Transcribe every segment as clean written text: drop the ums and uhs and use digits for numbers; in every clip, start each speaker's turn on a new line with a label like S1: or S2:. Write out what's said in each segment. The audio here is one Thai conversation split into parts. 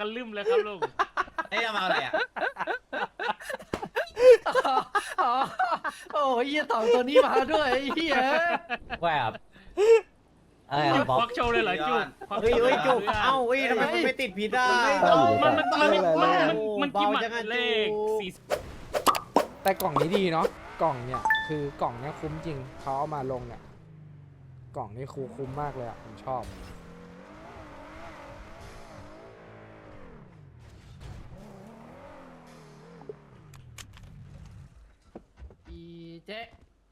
S1: กันลืมเลยครับลุง
S2: เอ้ยมาอะไรอ่ะ
S3: อ๋อโอ้ยเหี้ยสองตัวนี้มาด้วยไอ้เหี้ย
S4: แบบอะไร
S1: จุ
S4: อ่ะ
S1: ก
S4: บ๊อบ
S1: ควักโชว์เลยเหรอจุกควัก
S2: เฮ้ย
S1: โชว์
S2: เฮ้ยจุก
S1: ลยหร
S2: เอ้าเฮ้ยทำไมมันไม่ติดพิษอ่ะ
S1: มันกี่หมัดเลขสี่
S5: แต่กล่องนี้ดีเนาะกล่องเนี่ยคือกล่องเนี้ยคุ้มจริงเขาเอามาลงเนี่ยกล่องนี้คุ้มมากเลยอ่ะผมชอบ
S3: อีเจ๊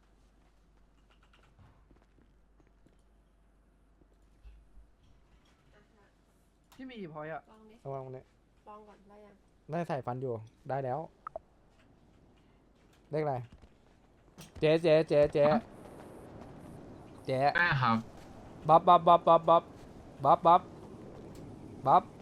S3: พี่มีกี่พอยต์อะ
S6: ลองดิ
S5: ระวังเนี่ย
S6: ลองก่อนได้ยัง
S5: ได้ใส่ฟันอยู่ได้แล้วเลขอะไรเจ๊
S7: ได้ครับ
S5: บ๊อบ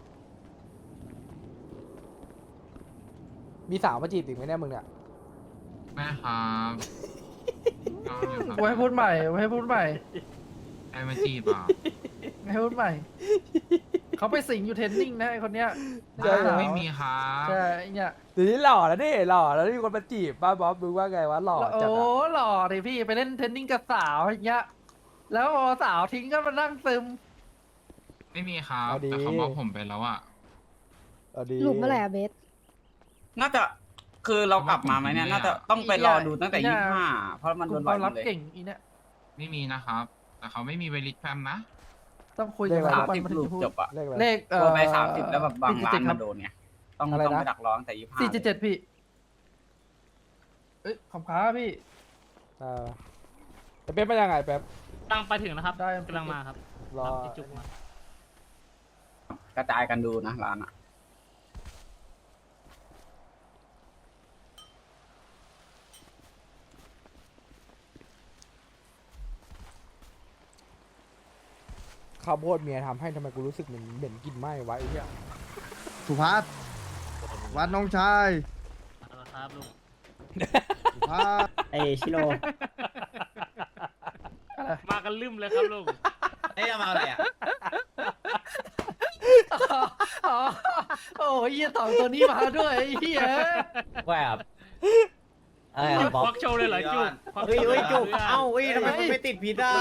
S5: มีสาวมาจีบอีกไหมเนี่ยมึงเนี่ย
S7: ได้ครับน้องอยู่ครับ
S3: ไว้พูดใหม่ไว้พูดใหม่
S7: ไอ้มาจีบอ่ะ
S3: ไว้พูดใหม่ เขาไปสิงอยู่เทรนนิ่งนะไอคนเนี้ย
S5: ใช่เหรอ
S7: ไม่มีครับ
S3: ใช่ไอ้เนี่ย
S5: เดี๋ยวนี้หล่อแล้วนี่หล่อแล้วมีคนมาจีบป้าบ๊อบมึงว่าไงวะหล่อจัด
S3: โอ้
S5: อะ
S3: หล่อดิพี่ไปเล่นเทรนนิ่งกับสาวอย่างเงี้ยแล้วพอสาวทิ้งก็มานั่งซึม
S7: ไม่มีครับแต่เขาบอกผมไปแล้วอ่ะ
S5: เอาดี
S8: หลุมเมื่อไหร่อะเบส
S2: น่าจะคือเรากลับมาไหมเนี่ยน่าจะต้องไปรอดูตั้งแต่
S3: เนี่ย
S2: 25เพราะมัน
S3: ก
S2: โด
S3: ลุ่ม
S2: น
S3: ค
S2: บ่อ
S3: วาย ม
S2: หม
S3: ลับ
S2: ดเลย
S3: เก่งอีเนี่ย
S7: ไม่มีนะครับ แต่เขาไม่มีเวลิตแฟมนะ
S3: ต้องคุยกันทุกวันมันถึง
S2: รูป
S3: จะพูด
S2: จบอ่ะ
S5: เลขอะไร
S3: เลข
S2: โทรไป30แล้วแบบบางร้านมันโดนไงต้อง
S5: อะไรนะ
S2: ไปดักร้องแต่25
S3: 477พี่เอ้ยขอบค้าพี่
S5: แต่เป๊ปมายังไงเป๊ป
S1: กำลังไปถึงนะครับ
S3: ได้
S1: กำลังมาครับ
S5: รอ
S1: รับที่จุกมาก
S2: ระจายกันดูนะร้านอ่ะ
S5: ข้าวโพดเมียทำให้ทำไมกูรู้สึกเหม็นกลินไหม้วะไอ้เหี้ย
S9: สุภัสวัดน้องชาย
S1: เอาละครับลุง
S9: สุภัส
S4: ไอชิโร่
S1: มากันลืมเลยครับลุง
S2: เอ้ยมาอะไรอ่ะ
S3: อ๋อโอ้ยเหี้ยสองตัวนี้มาด้วยไอ้เหี้ย
S4: แบบอะไร
S1: จุ
S4: อ่ะ
S1: ก
S4: บ๊อบ
S1: ควักโชว์เลยเหรอจุกควัก
S2: เฮ้ย
S1: โชว์
S2: เฮ้ยจุก
S1: ลยหร
S2: เอ้าเฮ้ยทำไมมันไม่ติดพิษอ่ะ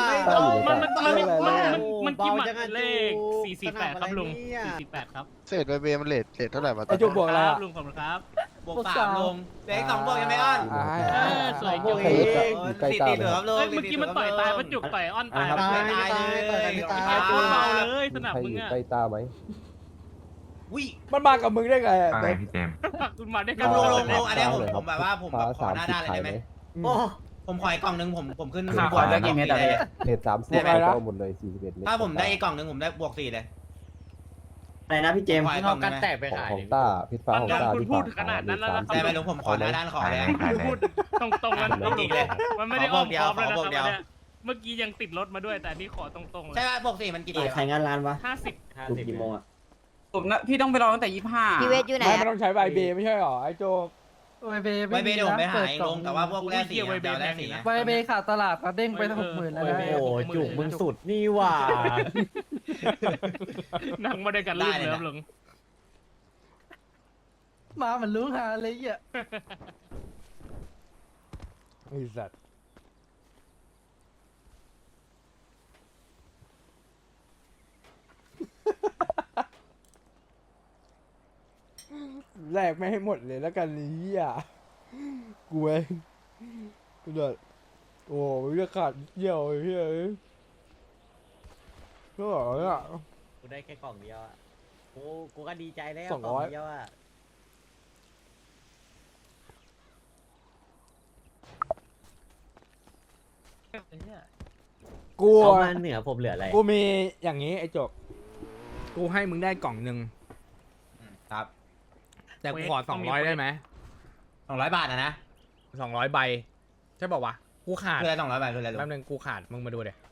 S1: มันกี่หมัดเลข448ครับลุง448ครับ
S9: เศษเบมันเลทเท่าไหร่มา
S5: ไอ้จุกบวกอะไร
S1: ครั
S5: อะ
S1: บลุงขอบคุณครับ
S2: บวก3ลงเด็ก2บวกยังไม่อ้อน
S5: อ่าให้
S1: สวย
S2: บ
S1: จุ
S2: วก
S1: ก
S2: เองตีเหลือครับลุง
S1: เฮ้ยเมื่อกี้มันต่อยตายมันจุกต่อยอ้อนตาย
S2: ตายตายเลย
S1: ไอ้โคตรเมาเลยสนับมึงอะ
S2: วิ
S5: มันมากับมึงได้ไงอะ
S7: อะไร
S5: เป๊ป
S7: พี่เจมส์
S1: คุณมาด้วย
S2: ล
S1: กัน
S2: งอันนี้ผมแบบว่าผมแบบขอหน้าด้านเลยได้ไหมโอ้ผมขออีกกล่องนึงผมขึ้นบวกได้กี่เมตรอะไร
S10: เลท30
S2: ได้ไหม
S10: ก็หมดเลย41เมตร
S2: ถ้าผมได้อีกกล่องนึงผมได้บวก4เลย
S4: อะไรนะพี่เจมส์
S2: ขออีกกล่องนึง
S10: ของต้าพิษฟ้าของต้า
S1: คุณ
S10: ที่
S1: พูด
S10: ผ่าน
S1: ขนาดนั้นแล้วนะครับ
S2: ได้ไหมลุงผมขอหน้าด้านขอเลย
S1: คุณพูดตรงๆแล้ว
S2: จริงๆเลย
S1: มันไม่ได้อ้อมค้อมแล้วนะ
S2: ข
S1: ค
S2: อ
S1: รั
S2: บบ วกเดียว
S1: เนี่ยเมื่อกี้ยังติดรถมาด้วยแต่อันนี้ขอตรงๆเล
S2: ใช่
S1: ย
S2: ป่ะบวก4มันกี่ดี
S4: ใครงานร้านวะ
S1: 50
S4: ลุกกี่โมงอ่ะ
S2: ผมนะพี่ต้องไปรอตั้งแต่25
S8: พี่เวทอยู่ไหน
S5: ไม่
S8: อะ
S5: ต้องใช้ใบเบไม่ใช่หรอไอ้โจก
S3: ไวเบ
S2: ไว้เบเดี๋ยวผมไปหา
S3: เปิด
S2: เอง
S3: กล่
S2: ล
S3: อง
S2: แต่ว่าพวกแรก4เดี๋ยวแรก4นะ
S3: ไวเบขาดตลาดมาเด้งไปทั้ง60,000แล้วนะ
S4: โอ้จุกมึงสุดนี่หว่า
S1: นั่งมาด้วยกันลืมเลยครับลุง
S3: มาเหมือนรู้หาเลยอ่ะ
S5: ไอ้สัตว์แลกไม่ให้หมดเลยแล้วกันไอ้เหี้ยกูเองกูเดือดโอ้ยจะขาดเยี่ยวไอ้เหี้ยก็บอกว่า
S4: กูได้แค่กล่องเดียวอ่ะกูก็ดีใจแล้ว
S5: 200
S4: กล่องเดียวอ่ะ
S5: กู
S4: เขามาเหนือผมเหลืออะไร
S5: กูมีอย่างนี้ไอ้จกกูให้มึงได้กล่องหนึ่ง
S2: ครับ
S5: แต่กูขอ200ได้ไหม
S2: 200 บาทนะ
S5: 200 ใบใช่ป่าวะกูขาด
S2: คืออะไร200 บาทคืออะไรลุง
S5: แป๊บนึงกูขาดมึงมาดูเดี๋ย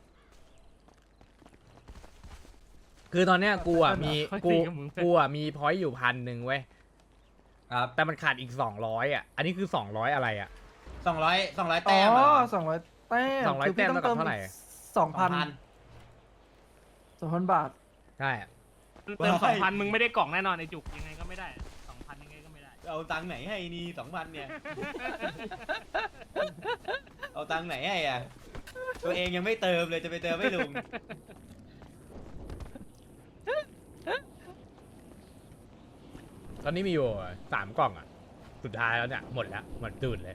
S5: คือตอนเนี้ยกูอ่ะมีกูอ่ะมีพอยต์อยู่1,000เว้ย
S2: ครับ
S5: แต่มันขาดอีก200อ่ะอันนี้คือ200อะไรอ่ะ
S2: 200
S3: อ๋
S2: แต้ม
S3: อ200 แต้ม
S5: 200
S3: คือพี่
S5: แต้มเท่ากับเท่าไหร่
S3: 2,000 2,000 บาท
S5: ใช่อะ
S1: เติม2,000มึงไม่ได้กล่องแน่นอนไอ้จุกยังไงก็ไม่ได้2,000ยังไงก็ไม่ได้
S2: เอาตังค์ไหนให้นี่2,000เนี่ย เอาตังค์ไหนให้อ่ะ ตัวเองยังไม่เติมเลยจะไปเติมไม่ลุง
S5: ตอนนี้มีอยู่3 กล่องอ่ะ สุดท้ายแล้วเนี่ยหมดแล้วหมดตูดเลย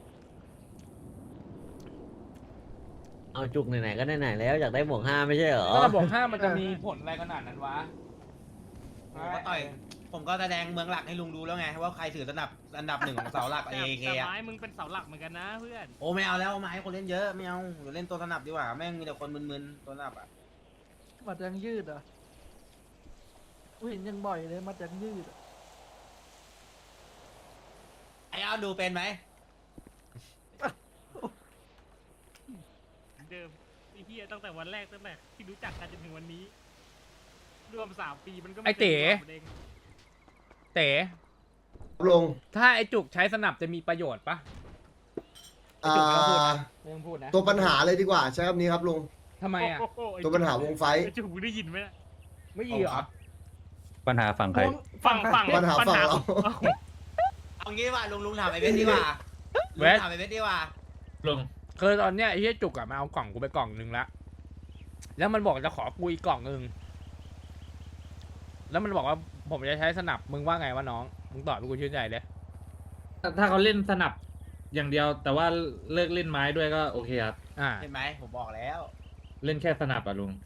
S4: เอาจุกไหนๆก็ไหนๆแล้วอยากได้บวก5ไม่ใช่เหรอ
S5: ถ้าบอก5มันจะมีผลอะไรขนาดนั้นวะ
S2: ผมก็ต่อย ผมก็แสดงเมืองหลักให้ลุงดูแล้วไงว่าใครถืออันดับ 1ของเสาหลัก AAK
S1: แต่
S2: อะ
S1: ไม้มึงเป็นเสาหลักเหมือนกันนะเพื่อน
S2: โอ้ไม่เอาแล้วไม้คนเล่นเยอะไม่เอาเดี๋ยวเล่นตัวสนับดีกว่าแม่งมีแต่คนมึนๆตัวสนับอ่ะ
S3: มัดยังยืดอ่ะกูเห็นยังบ่อยเลยมัดยังยืดอะ
S2: ไอ้เอาดูเป็นไหม
S1: เดิมไอ้เฮียตั้งแต่วันแรกตั้งแต่ที่รู้จักกันจนถึงวันนี้ รวม3 ปีมันก็ม่
S5: ไอ้เต๋
S1: คยเป็นเอง
S5: เต๋
S9: ลง
S5: ถ้าไอ้จุกใช้สนับจะมีประโยชน์ปะไอ้จุกไม่ต้องพูดนะไม่ต้องพูดนะ
S9: ตัวปัญหาเลยดีกว่าใช้คำนี้ครับลุง
S5: ทำไมอ่ะ
S1: โโไอ้
S9: ตัวปัญหาวงไฟ
S1: ไอ้จุกมึงได้ยินไหมน่ะ
S5: ไม่ดีเหรอ
S10: ปัญหาฝั่งใคร
S1: ฝั่ง
S9: ปัญหาฝั่งเรา
S2: เอางี้ดีกว่าลุงถามไอ้เวทดีกว่าลุงถามไอ้เวทดีกว่า
S7: ลุง
S5: คือตอนเนี้ยไอ้เหี้ยจุกอะมาเอากล่องกูไปกล่องนึงละแล้วมันบอกจะขอกูอีกกล่องนึงแล้วมันบอกว่าผมจะใช้สนับมึงว่าไงวะน้องมึงตอบให้กูชื่นใจเลย
S7: ถ้าเขาเล่นสนับอย่างเดียว แต่ว่าเลิกเล่นไม้ด้วยก็โอเคครับ
S2: เห็นไหมผมบอกแล้ว
S7: เล่นแค่สนับอะลุง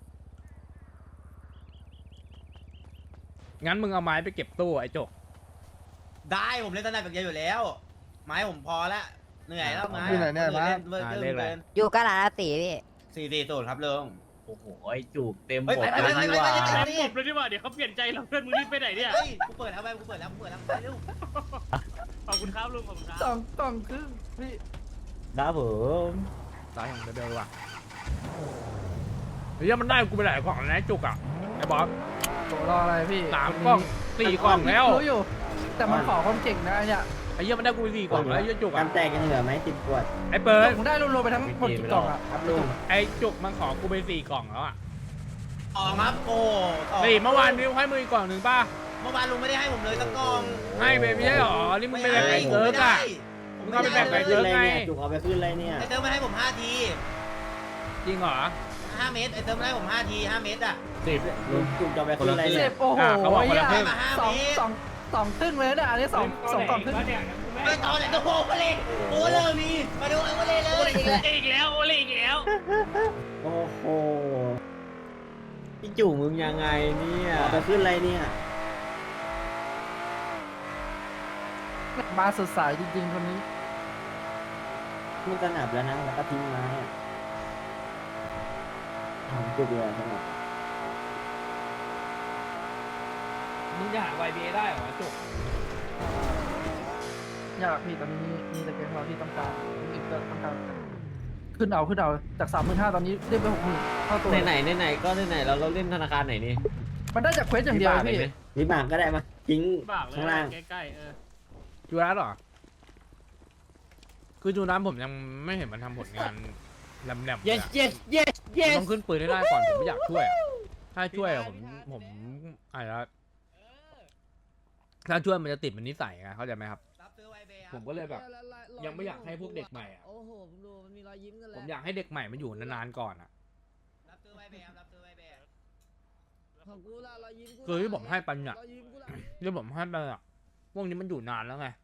S5: งั้นมึงเอาไม้ไปเก็บตู้ไอ้จก
S2: ได้ผมเล่นสนับอย่างเดียวอยู่แล้ว ไม้ผมพอแล้วเหนื่อยแล้วไม้
S9: อยู่ไหนเนี่ยไม้
S2: เล่นเกิน
S6: อยู่กะหลาตีพี่
S2: 440ครับลุง
S4: โอ้โหไอ้จุกเต็ม
S2: เฮ้ย
S4: บก
S2: ไป
S4: เลย
S2: ไป
S4: นี่หว่า
S2: ไปไปไป
S1: แม่งปบเลยดีกว่าเดี๋ยวเขาเปลี่ยนใจเราเพื่อนมึงรีบไปไหนเนี่ย
S2: เฮ้ยกูเปิดแล้วกูเปิดแล้วไปเร็ว
S1: ขอบคุณครับลุงขอบคุณครับ
S3: 2 กล่องครึ่งพี่
S4: ครับผม
S5: ตายของเบลว่ะเฮ้ยมันได้กูไปหลายกล่องแล้วนะไอ้จุกอะไอ้บอส
S3: โหรออะไรพี่
S5: 3 กล่อง 4 กล่องแล้ว
S3: รู้อยู่ แต่มันขอคนเก่งนะไอ้เนี่ย
S5: ไอ้เหี้ยมันได้กูไป4 กล่องแล้วไอ้เหี้ยจุกอะ
S4: น้ำแตกยังเหลือไหม10 ขวด
S5: ไอ้เปิด
S3: ผมได้รวมๆไปทั้งหมดกี่กล่องอ่ะ
S4: ครับลุง
S5: ไอ้จุกมันขอกูไป4 กล่องแล้วอะ
S2: ออกครับโอ้
S5: สี่เมื่อวานนิ้วให้มึงอีกกล่องหนึ่งป่ะ
S2: เมื่อวานลุงไม่ได้ให้ผมเลยสักกล่อง
S5: ให้ไปไม่ใช่หรอนี่มึงไปแบ่งไก่เกิร์กอะ
S2: ผม
S5: ก็ไปแบ่งไก่
S4: ขึ้นอะไรเนี่ยจุกเอาไปขึ้นอะไรเนี่ย
S2: ไอเติมมาให้ผม5 ที
S5: จริงเหรอ
S2: 5 เมตรไอเติมมาให้ผม5 ที5 เมตรอ่ะ
S4: ลุงจุกจะเอาไปขึ้นอะไร
S3: เจ็
S4: เนี่ย
S3: บโอ้โห
S5: เขาบอกคนละครึ่ง
S3: สองครึ่งเลยเนี่ยอันนี้สองกล่องครึ่ง
S2: ไม่ตอนไหนตัวโผล่เลยโอ้เลยมีมาดูไอ้โอเล่เลย
S1: อีกแล้วโอเล่อีกแล้ว
S4: โอ้โหพี่จุกมึงยังไงเนี่ยเอาไปขึ้นอะไรเนี่ย
S3: มาสดใสจริงๆคนนี้
S4: มันสนับแล้วนะแล้วก็ทิ้งไม้อะของจุกเลยสนับ
S5: มึงจะหา YBA ได้เหรอจุก
S3: อยากพี่ตอนนี้มีแต่เกมเราที่ต้องการอีกก็ต้องการขึ้นเอาจาก 35,000 ตอนนี้เรียกไป 60,000 เข้าตัว
S4: ไหนก็ไหนเราเล่นธนาคารไหนนี่
S3: มันได้จากเควสอย่างเดียวพี่
S4: วิบากก็ได้มาทิ้ง
S1: บากเลย
S4: ข้างล่าง
S1: ใกล้ๆ
S5: จูรัสเหรอ คือจูรัสผมยังไม่เห็นมันทำผลงานแหลมๆเลย
S4: yes
S5: อะ
S4: yes yes
S5: ผม
S4: yes
S5: ต้องขึ้นปืนให้ได้ก่อนผมไม่อยากช่วยอะถ้าช่วยอะผมอะไรนะถ้าช่วยมันจะติดเป็นนิสัยไงเข้าใจไหมครับ
S2: รับซื้อไวเบย์
S5: ผมก็เลยแบบ ยังไม่อยากให้พวกเด็กใหม่อะ
S6: โอ้โหผมดูมันมีรอยยิ้มกัน
S5: ผ
S6: แล้ว
S5: มอยากให้เด็กใหม่มาอยู่นานๆก่อนอะ
S2: รับซื้อไวเบย์รับซื้อไวเบย์
S6: ของกูล่ะรอยยิ้มกู
S5: คือที่ผมให้ปัญญาร
S6: อยยิ้มกูล่ะ
S5: ที่ผมให้ไปอะพวกนี้มันอยู่นานแล้วไง